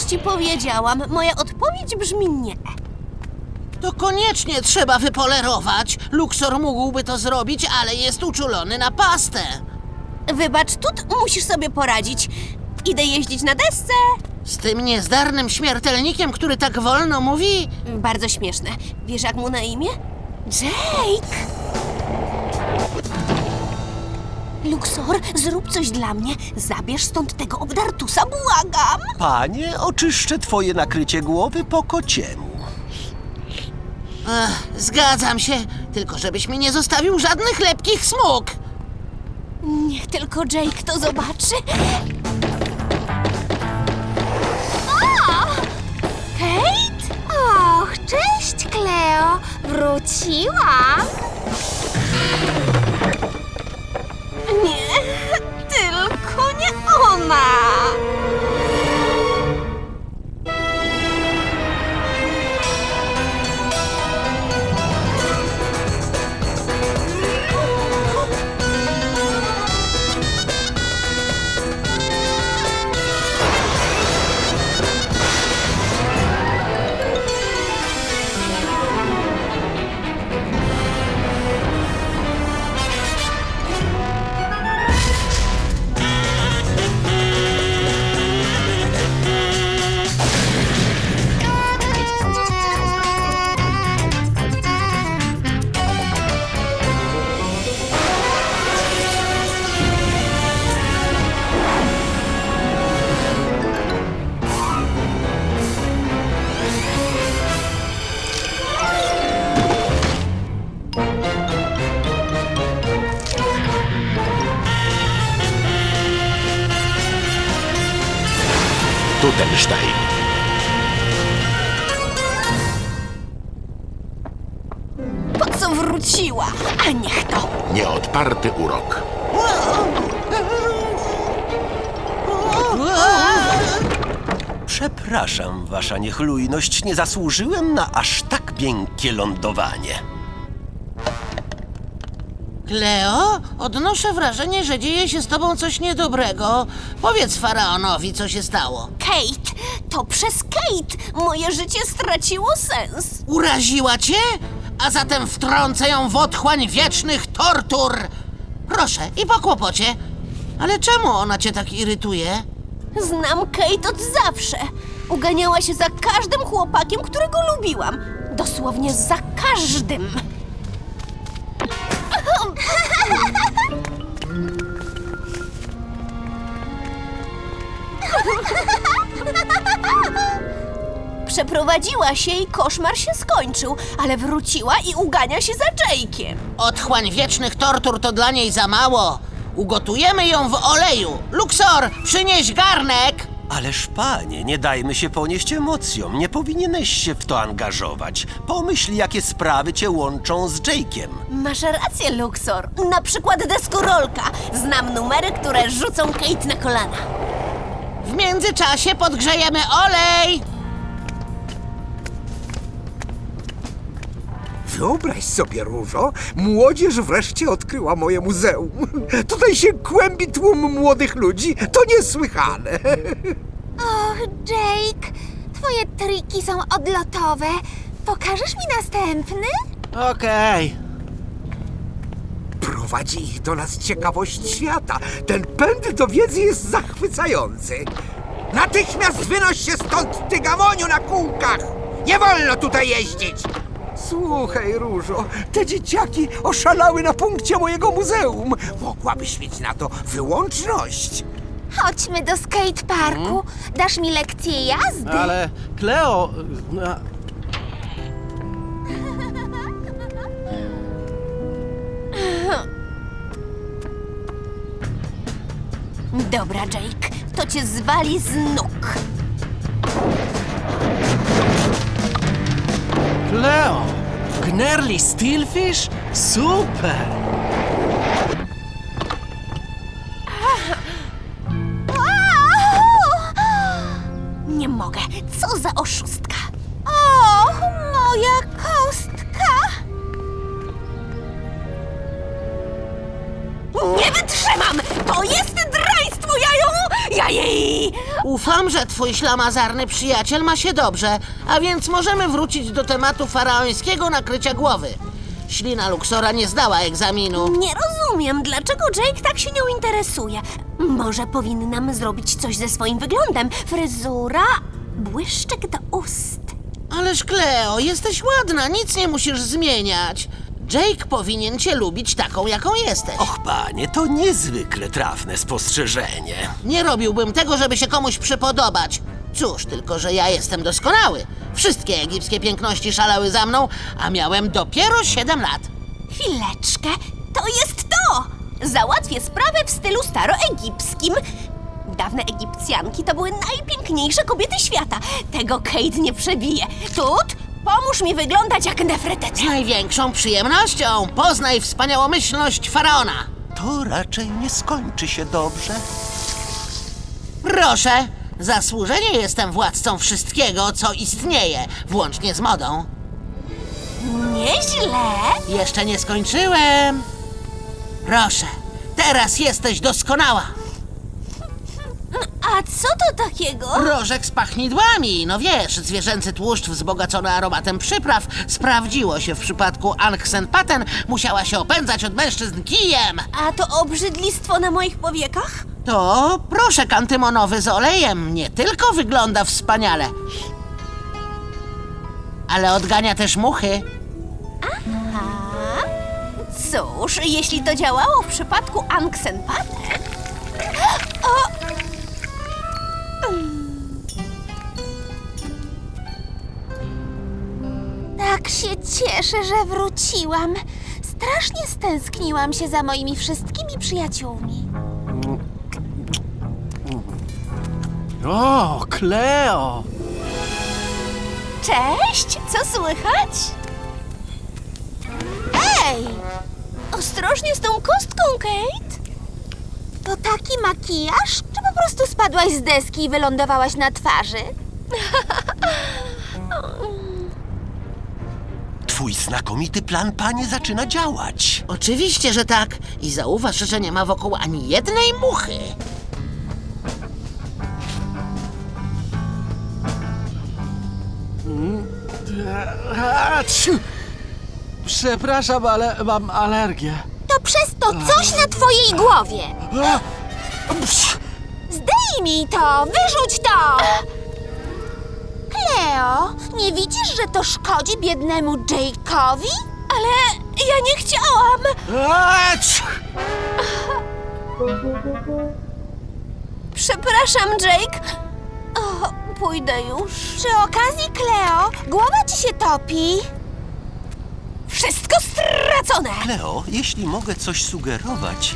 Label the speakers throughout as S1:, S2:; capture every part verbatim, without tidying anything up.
S1: ci powiedziałam. Moja odpowiedź brzmi nie.
S2: To koniecznie trzeba wypolerować. Luxor mógłby to zrobić, ale jest uczulony na pastę.
S1: Wybacz, Tut, musisz sobie poradzić. Idę jeździć na desce.
S2: Z tym niezdarnym śmiertelnikiem, który tak wolno mówi?
S1: Bardzo śmieszne. Wiesz, jak mu na imię? Jake! Luxor, zrób coś dla mnie. Zabierz stąd tego obdartusa, błagam.
S3: Panie, oczyszczę twoje nakrycie głowy po kociemu.
S2: Ech, zgadzam się, tylko żebyś mi nie zostawił żadnych lepkich smug.
S1: Niech tylko Jake to zobaczy.
S4: Kate? Och, cześć, Cleo. Wróciłam.
S1: Nie, tylko nie ona.
S5: Tutenstein.
S1: Po co wróciła? A niech to.
S5: Nieodparty urok.
S3: Przepraszam, wasza niechlujność, nie zasłużyłem na aż tak miękkie lądowanie.
S2: Cleo, odnoszę wrażenie, że dzieje się z tobą coś niedobrego. Powiedz faraonowi, co się stało.
S1: Kate, to przez Kate moje życie straciło sens.
S2: Uraziła cię? A zatem wtrącę ją w otchłań wiecznych tortur. Proszę, i po kłopocie. Ale czemu ona cię tak irytuje?
S1: Znam Kate od zawsze. Uganiała się za każdym chłopakiem, którego lubiłam. Dosłownie za każdym. Przeprowadziła się i koszmar się skończył, ale wróciła i ugania się za Jake'iem.
S2: Otchłań wiecznych tortur to dla niej za mało. Ugotujemy ją w oleju. Luxor, przynieś garnek!
S3: Ależ panie, nie dajmy się ponieść emocjom. Nie powinieneś się w to angażować. Pomyśl, jakie sprawy cię łączą z Jake'iem.
S1: Masz rację, Luxor. Na przykład deskorolka. Znam numery, które rzucą Kate na kolana.
S2: W międzyczasie podgrzejemy olej.
S6: Wyobraź sobie, Różo, młodzież wreszcie odkryła moje muzeum. Tutaj się kłębi tłum młodych ludzi. To niesłychane.
S4: Och, Jake, twoje triki są odlotowe. Pokażesz mi następny?
S2: Okej.
S6: Prowadzi ich do nas ciekawość świata. Ten pęd do wiedzy jest zachwycający. Natychmiast wynoś się stąd, ty gamoniu na kółkach! Nie wolno tutaj jeździć! Słuchaj, Różo, te dzieciaki oszalały na punkcie mojego muzeum. Mogłabyś mieć na to wyłączność.
S4: Chodźmy do skateparku. Dasz mi lekcję jazdy?
S7: Ale Cleo... a-
S1: Dobra, Jake, to cię zwali z nóg.
S7: Cleo! Gnerli Steelfish? Super!
S1: Nie mogę. Co za oszustka.
S4: Och, moja kostka!
S1: Nie wytrzymam! To jest draństwo, ja ją... Ja jej...
S2: Ufam, że twój ślamazarny przyjaciel ma się dobrze, a więc możemy wrócić do tematu faraońskiego nakrycia głowy. Ślina Luxora nie zdała egzaminu.
S1: Nie rozumiem, dlaczego Jake tak się nią interesuje. Może powinnam zrobić coś ze swoim wyglądem. Fryzura, błyszczyk do ust.
S2: Ależ Cleo, jesteś ładna, nic nie musisz zmieniać. Jake powinien cię lubić taką, jaką jesteś.
S3: Och, panie, to niezwykle trafne spostrzeżenie.
S2: Nie robiłbym tego, żeby się komuś przypodobać. Cóż, tylko że ja jestem doskonały. Wszystkie egipskie piękności szalały za mną, a miałem dopiero siedem lat.
S1: Chwileczkę, to jest to! Załatwię sprawę w stylu staroegipskim. Dawne Egipcjanki to były najpiękniejsze kobiety świata. Tego Kate nie przebije. Tut, pomóż mi wyglądać jak
S2: Z
S1: Nefretety.
S2: największą przyjemnością poznaj wspaniałomyślność faraona.
S3: To raczej nie skończy się dobrze.
S2: Proszę, zasłużenie jestem władcą wszystkiego, co istnieje, włącznie z modą.
S1: Nieźle.
S2: Jeszcze nie skończyłem. Proszę, teraz jesteś doskonała.
S1: A co to takiego?
S2: Rożek z pachnidłami, no wiesz, zwierzęcy tłuszcz wzbogacony aromatem przypraw sprawdziło się w przypadku Ankhsen-Paten, musiała się opędzać od mężczyzn kijem.
S1: A to obrzydlistwo na moich powiekach?
S2: To proszek antymonowy z olejem nie tylko wygląda wspaniale, ale odgania też muchy.
S1: Cóż, jeśli to działało w przypadku Ankhsen-Paten... O!
S4: Tak się cieszę, że wróciłam. Strasznie stęskniłam się za moimi wszystkimi przyjaciółmi.
S7: O, Cleo!
S1: Cześć, co słychać?
S4: Ej!
S1: Ostrożnie z tą kostką, Kate.
S4: To taki makijaż? Czy po prostu spadłaś z deski i wylądowałaś na twarzy?
S3: Twój znakomity plan, panie, zaczyna działać.
S2: Oczywiście, że tak. I zauważ, że nie ma wokół ani jednej muchy.
S7: A, ciu. Przepraszam, ale mam alergię.
S4: To przez to coś na twojej głowie.
S7: A, psz,
S4: Zdejmij to! Wyrzuć to! Cleo, nie widzisz, że to szkodzi biednemu Jake'owi?
S1: Ale ja nie chciałam.
S7: a, ciu.
S1: Przepraszam, Jake. O, pójdę już.
S4: Przy okazji, Cleo, głowa ci się topi.
S1: Wszystko stracone.
S3: Kleo, jeśli mogę coś sugerować,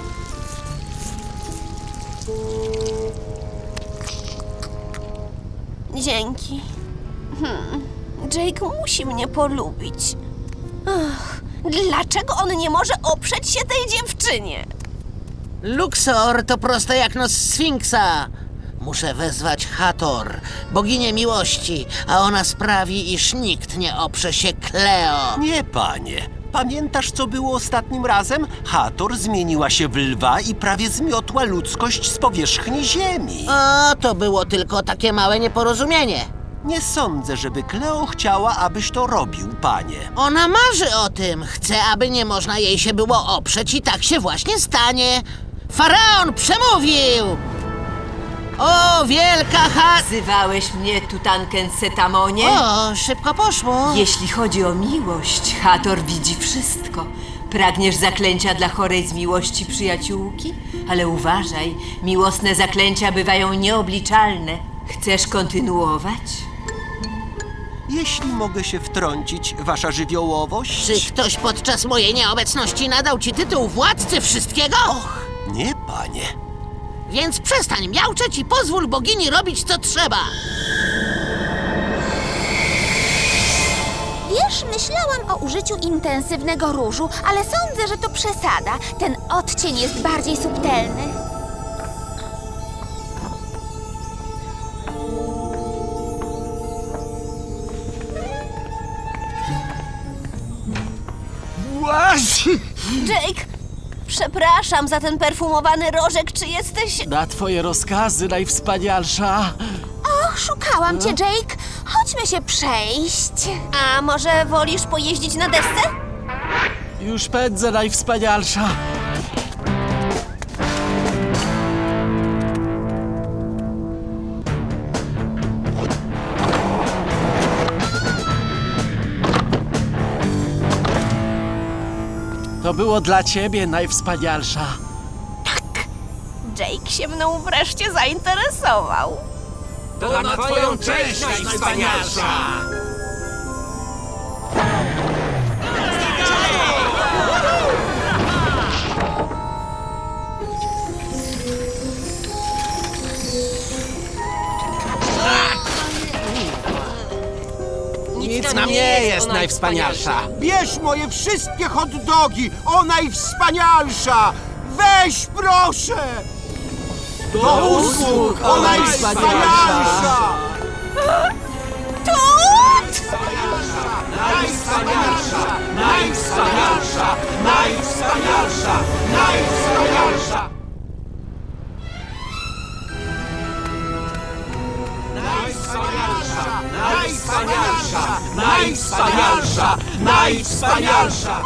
S1: Dzięki. Hmm. Jake musi mnie polubić. Ach, dlaczego on nie może oprzeć się tej dziewczynie?
S2: Luxor to proste jak nos Sfinksa. Muszę wezwać Hathor, boginię miłości, a ona sprawi, iż nikt nie oprze się Cleo.
S3: nie, panie. Pamiętasz, co było ostatnim razem? Hathor zmieniła się w lwa i prawie zmiotła ludzkość z powierzchni ziemi.
S2: O, to było tylko takie małe nieporozumienie.
S3: Nie sądzę, żeby Kleo chciała, abyś to robił, panie.
S2: Ona marzy o tym. Chce, aby nie można jej się było oprzeć i tak się właśnie stanie. Faraon przemówił! O, wielka ha...
S8: Wzywałeś mnie, Tutanken-Setamonie?
S2: O, szybko poszło.
S8: Jeśli chodzi o miłość, Hathor widzi wszystko. Pragniesz zaklęcia dla chorej z miłości przyjaciółki? Ale uważaj, miłosne zaklęcia bywają nieobliczalne. Chcesz kontynuować?
S3: Jeśli mogę się wtrącić, wasza żywiołowość?
S2: Czy ktoś podczas mojej nieobecności nadał ci tytuł władcy wszystkiego? Och,
S3: Nie, panie.
S2: więc przestań miauczeć i pozwól bogini robić, co trzeba.
S4: Wiesz, myślałam o użyciu intensywnego różu, ale sądzę, że to przesada. Ten odcień jest bardziej subtelny.
S7: Łaź!
S1: Jake, Przepraszam za ten perfumowany rożek, czy jesteś...
S7: Na twoje rozkazy, najwspanialsza.
S4: Och, szukałam cię, Jake. Chodźmy się przejść.
S1: A może wolisz pojeździć na desce?
S7: Już pędzę, najwspanialsza. To było dla ciebie, najwspanialsza.
S1: Jake się mną wreszcie zainteresował.
S6: To na twoją cześć, najwspanialsza!
S7: Nic nam nie jest, najwspanialsza.
S3: Bierz moje wszystkie hot dogi, o najwspanialsza! Weź proszę!
S7: Do usług, o najwspanialsza.
S1: Tut!
S3: Najwspanialsza! Najwspanialsza! Najwspanialsza! Najwspanialsza! Najwspanialsza! Najwspanialsza! Najwspanialsza! Najwspanialsza!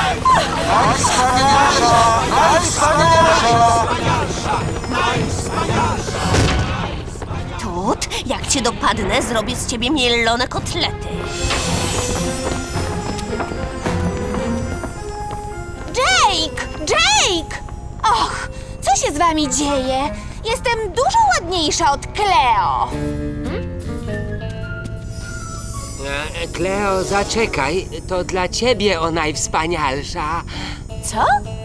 S1: Tut, jak cię dopadnę, zrobię z ciebie mielone kotlety.
S4: Jake! Jake! Och, co się z wami dzieje? Jestem dużo ładniejsza od Cleo.
S9: E, Kleo, zaczekaj, to dla ciebie o najwspanialsza.
S1: Co?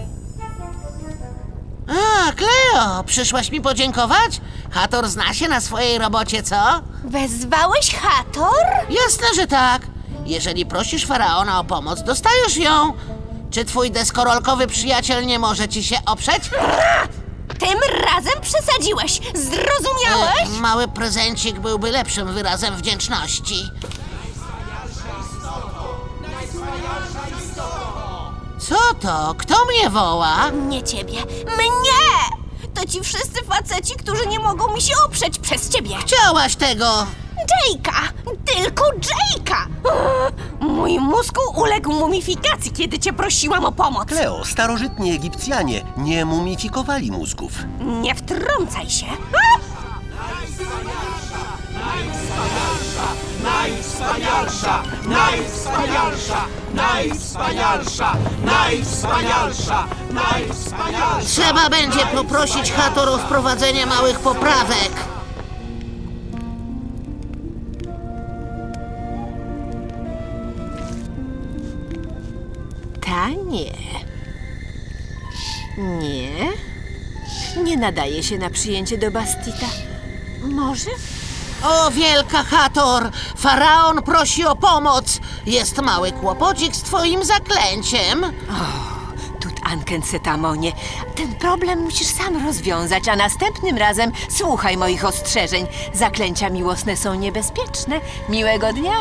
S2: A, Cleo, przyszłaś mi podziękować? Hator zna się na swojej robocie, co?
S1: Wezwałeś Hator?
S2: Jasne, że tak. Jeżeli prosisz faraona o pomoc, dostajesz ją. Czy twój deskorolkowy przyjaciel nie może ci się oprzeć?
S1: Tym razem przesadziłeś. Zrozumiałeś?
S2: E, mały prezencik byłby lepszym wyrazem wdzięczności. Co to? Kto mnie woła?
S1: Nie ciebie. Mnie! To ci wszyscy faceci, którzy nie mogą mi się oprzeć przez ciebie.
S2: Chciałaś tego!
S1: Jake'a! Tylko Jake'a! Mój mózg uległ mumifikacji, kiedy cię prosiłam o pomoc.
S3: Kleo, starożytni Egipcjanie nie mumifikowali mózgów.
S1: Nie wtrącaj się.
S3: Najwspanialsza! Najwspanialsza! Najwspanialsza! Najwspanialsza! Najwspanialsza!
S2: Trzeba będzie poprosić Hator o wprowadzenie małych poprawek.
S8: Ta nie. Nie. Nie nadaje się na przyjęcie do Bastita. Może?
S2: O, wielka Hator! Faraon prosi o pomoc! Jest mały kłopocik z twoim zaklęciem.
S8: Tut Anken-Setamonie, ten problem musisz sam rozwiązać, a następnym razem słuchaj moich ostrzeżeń. Zaklęcia miłosne są niebezpieczne. Miłego dnia!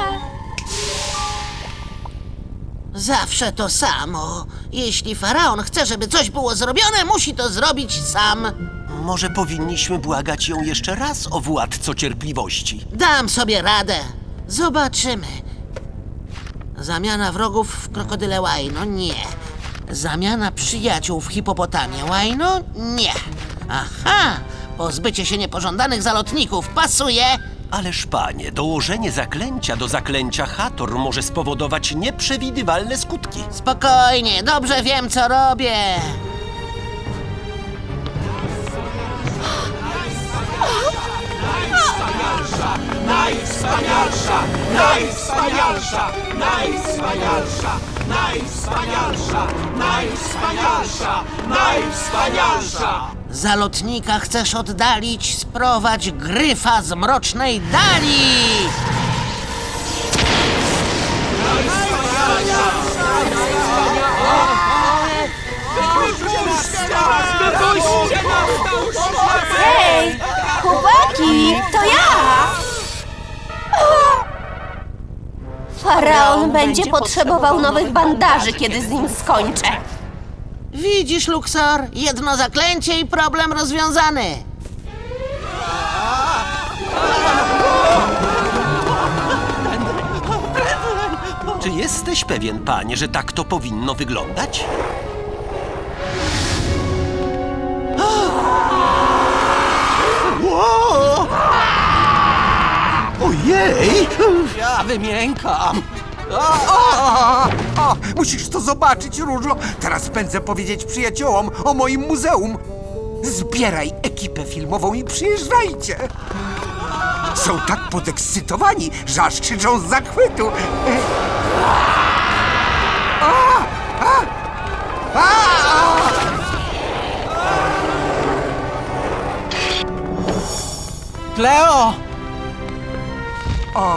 S2: Zawsze to samo. Jeśli faraon chce, żeby coś było zrobione, musi to zrobić sam.
S3: Może powinniśmy błagać ją jeszcze raz o władco cierpliwości.
S2: Dam sobie radę. Zobaczymy. Zamiana wrogów w krokodyle łajno? Nie. Zamiana przyjaciół w hipopotamie łajno? Nie. Aha! Pozbycie się niepożądanych zalotników pasuje.
S3: Ależ panie, dołożenie zaklęcia do zaklęcia Hator może spowodować nieprzewidywalne skutki.
S2: Spokojnie, dobrze wiem, co robię.
S3: Najwspanialsza! Najwspanialsza! Najwspanialsza! Najwspanialsza! Najwspanialsza! Najwspanialsza!
S2: Zalotnika chcesz oddalić, sprowadź gryfa z mrocznej dali!
S1: Hej! Chłopaki! To ja! Faraon będzie potrzebował nowych bandaży, kiedy z nim skończę.
S2: Widzisz, Luxor? Jedno zaklęcie i problem rozwiązany.
S3: Czy jesteś pewien, panie, że tak to powinno wyglądać? Ło! Ojej!
S7: Ja wymiękam.
S6: O, o, musisz to zobaczyć, Różo. Teraz pędzę powiedzieć przyjaciołom o moim muzeum. Zbieraj ekipę filmową i przyjeżdżajcie. Są tak podekscytowani, że aż krzyczą z zachwytu. A, a, a, a.
S7: Kleo!
S6: A.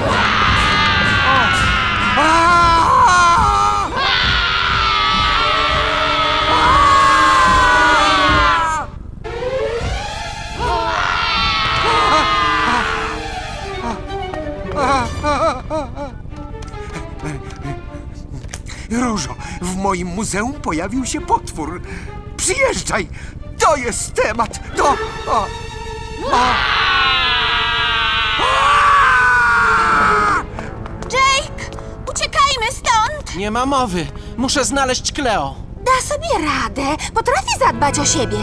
S6: Różo, w moim muzeum pojawił się potwór. Przyjeżdżaj! To jest temat! To... O,
S4: Jake, uciekajmy stąd!
S7: Nie ma mowy. Muszę znaleźć Kleo.
S4: Da sobie radę. Potrafi zadbać o siebie.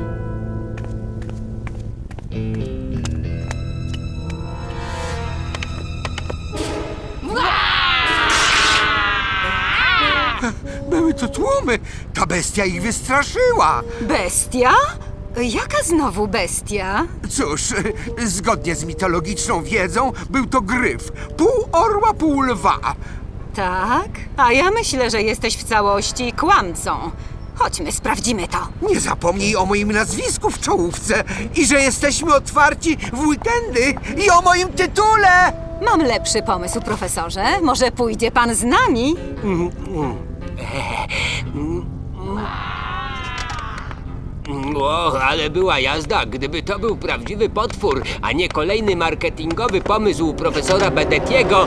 S6: były tu tłumy. Ta bestia ich wystraszyła.
S10: Bestia? Jaka znowu bestia?
S6: Cóż, zgodnie z mitologiczną wiedzą, był to gryf. Pół orła, pół lwa.
S10: Tak? A ja myślę, że jesteś w całości kłamcą. Chodźmy, sprawdzimy to.
S6: Nie zapomnij o moim nazwisku w czołówce i że jesteśmy otwarci w weekendy i o moim tytule.
S10: Mam lepszy pomysł, profesorze. Może pójdzie pan z nami?
S9: O, ale była jazda, gdyby to był prawdziwy potwór, a nie kolejny marketingowy pomysł profesora Bedetiego.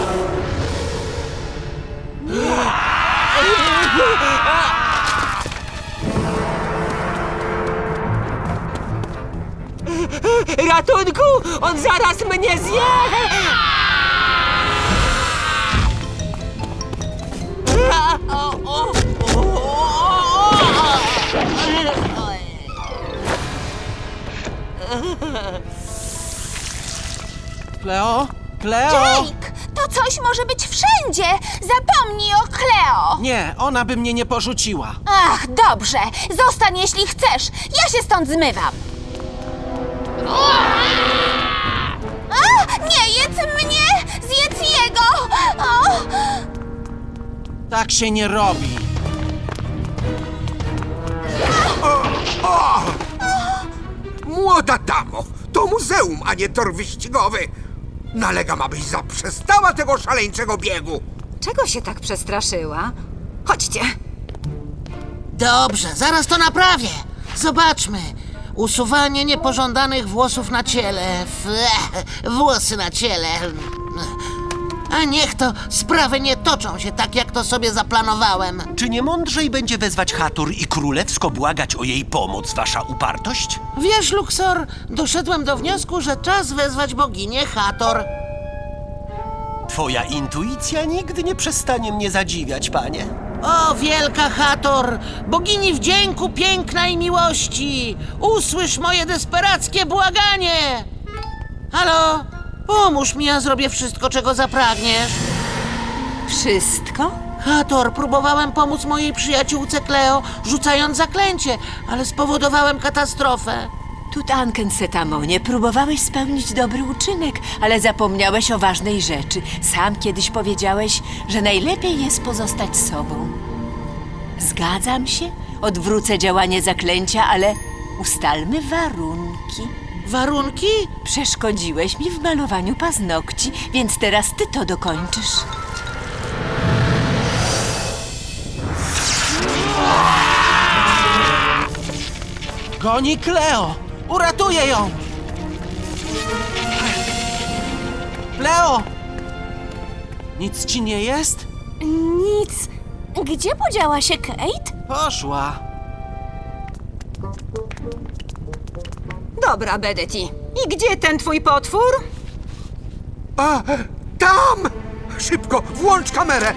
S9: Ratunku! On zaraz mnie zje!
S7: Kleo? Kleo?
S4: Jake, to coś może być wszędzie. Zapomnij o Cleo.
S7: Nie, ona by mnie nie porzuciła.
S4: Ach, dobrze. Zostań, jeśli chcesz. Ja się stąd zmywam. A, nie jedz mnie! Zjedz jego! O!
S7: Tak się nie robi.
S6: Młoda damo, to muzeum, a nie tor wyścigowy. Nalegam, abyś zaprzestała tego szaleńczego biegu.
S10: Czego się tak przestraszyła? Chodźcie.
S2: Dobrze, zaraz to naprawię. Zobaczmy. Usuwanie niepożądanych włosów na ciele. F- włosy na ciele. A niech to sprawy nie toczą się tak, jak to sobie zaplanowałem.
S3: Czy nie mądrzej będzie wezwać Hathor i królewsko błagać o jej pomoc, wasza upartość?
S2: Wiesz, Luxor, doszedłem do wniosku, że czas wezwać boginię Hathor.
S3: Twoja intuicja nigdy nie przestanie mnie zadziwiać, panie.
S2: O, wielka Hathor, bogini wdzięku, piękna i miłości, usłysz moje desperackie błaganie! Halo? Pomóż mi, ja zrobię wszystko, czego zapragniesz.
S8: Wszystko?
S2: Hathor, próbowałem pomóc mojej przyjaciółce Cleo, rzucając zaklęcie, ale spowodowałem katastrofę.
S8: Tutankensetammonie, próbowałeś spełnić dobry uczynek, ale zapomniałeś o ważnej rzeczy. Sam kiedyś powiedziałeś, że najlepiej jest pozostać sobą. Zgadzam się, odwrócę działanie zaklęcia, ale ustalmy warunki.
S2: Warunki?
S8: Przeszkodziłeś mi w malowaniu paznokci, więc teraz ty to dokończysz.
S7: Goni Kleo! Uratuję ją! Kleo! Nic ci nie jest?
S1: Nic. Gdzie podziała się Kate?
S7: Poszła.
S10: Dobra, Bedeti. I gdzie ten twój potwór?
S6: A, tam! Szybko, włącz kamerę!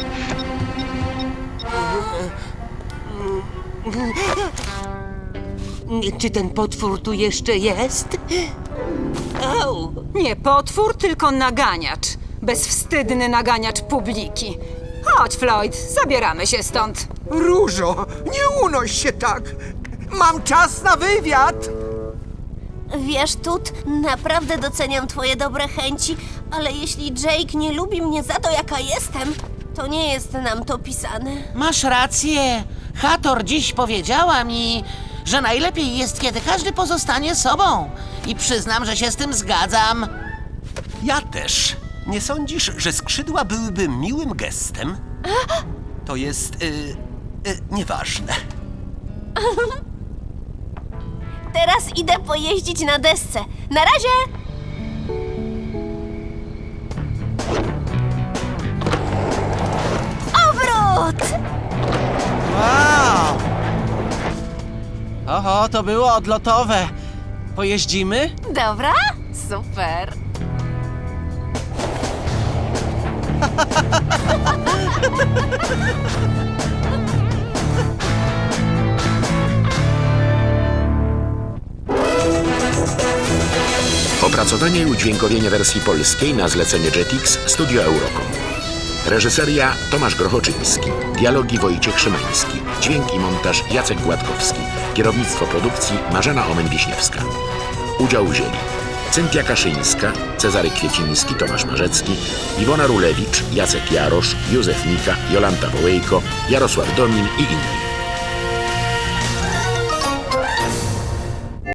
S9: Czy ten potwór tu jeszcze jest? Au!
S10: Nie potwór, tylko naganiacz. Bezwstydny naganiacz publiki. Chodź, Floyd, zabieramy się stąd.
S6: Różo, nie unoś się tak! Mam czas na wywiad!
S1: Wiesz, Tut, naprawdę doceniam twoje dobre chęci, ale jeśli Jake nie lubi mnie za to, jaka jestem, to nie jest nam to pisane.
S2: Masz rację. Hathor dziś powiedziała mi, że najlepiej jest, kiedy każdy pozostanie sobą. I przyznam, że się z tym zgadzam.
S3: Ja też. Nie sądzisz, że skrzydła byłyby miłym gestem? To jest... Y, y, nieważne.
S1: Teraz idę pojeździć na desce. Na razie! Obrót!
S7: Wow! Oho, to było odlotowe. Pojeździmy?
S1: Dobra, super.
S5: Opracowanie i udźwiękowienie wersji polskiej na zlecenie Jetix Studio Eurocom. Reżyseria Tomasz Grochoczyński. Dialogi Wojciech Szymański. Dźwięk i montaż Jacek Gładkowski. Kierownictwo produkcji Marzena Omen-Wiśniewska. Udział wzięli Cynthia Kaszyńska, Cezary Kwieciński, Tomasz Marzecki, Iwona Rulewicz, Jacek Jarosz, Józef Mika, Jolanta Wołejko, Jarosław Domin i inni.